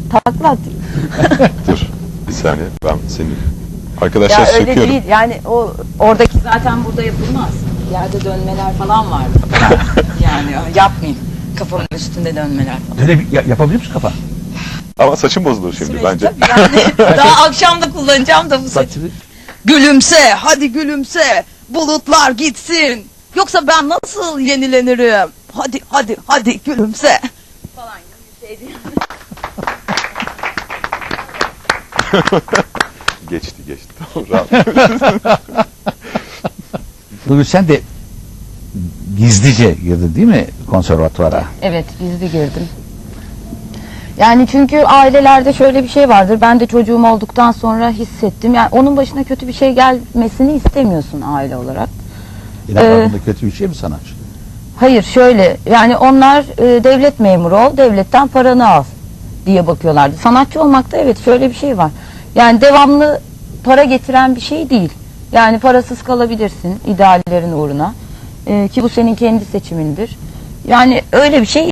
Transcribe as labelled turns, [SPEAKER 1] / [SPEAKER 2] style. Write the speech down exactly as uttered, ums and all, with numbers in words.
[SPEAKER 1] takla atayım.
[SPEAKER 2] Dur bir saniye, ben senin arkadaşlar
[SPEAKER 1] Ya öyle
[SPEAKER 2] söküyorum.
[SPEAKER 1] değil yani o oradaki zaten burada yapılmaz. Yerde dönmeler falan vardı. Yani yapmayayım. Kafamın üstünde dönmeler falan.
[SPEAKER 3] Öyle bir- ya- yapabilir misin kafa?
[SPEAKER 2] Ama saçım bozulur şimdi
[SPEAKER 1] Süreç
[SPEAKER 2] bence.
[SPEAKER 1] tabii yani. Daha akşam da kullanacağım da bu saçı.
[SPEAKER 3] Saçını
[SPEAKER 1] Gülümse, hadi gülümse. Bulutlar gitsin. Yoksa ben nasıl yenilenirim? Hadi hadi hadi gülümse. Falan gibi bir şey değil.
[SPEAKER 2] Geçti geçti. Tamam, rahat.
[SPEAKER 3] Nurgül, sen de gizlice girdin değil mi konservatuvara?
[SPEAKER 1] Evet, gizli girdim. Yani çünkü ailelerde şöyle bir şey vardır. Ben de çocuğum olduktan sonra hissettim. Yani onun başına kötü bir şey gelmesini istemiyorsun aile olarak.
[SPEAKER 3] İnanmadığında kötü bir şey mi sanatçı?
[SPEAKER 1] Hayır, şöyle yani onlar e, devlet memuru ol, devletten paranı al diye bakıyorlardı. Sanatçı olmakta evet şöyle bir şey var. Yani devamlı para getiren bir şey değil. Yani parasız kalabilirsin ideallerin uğruna. E, ki bu senin kendi seçimindir. Yani öyle bir şey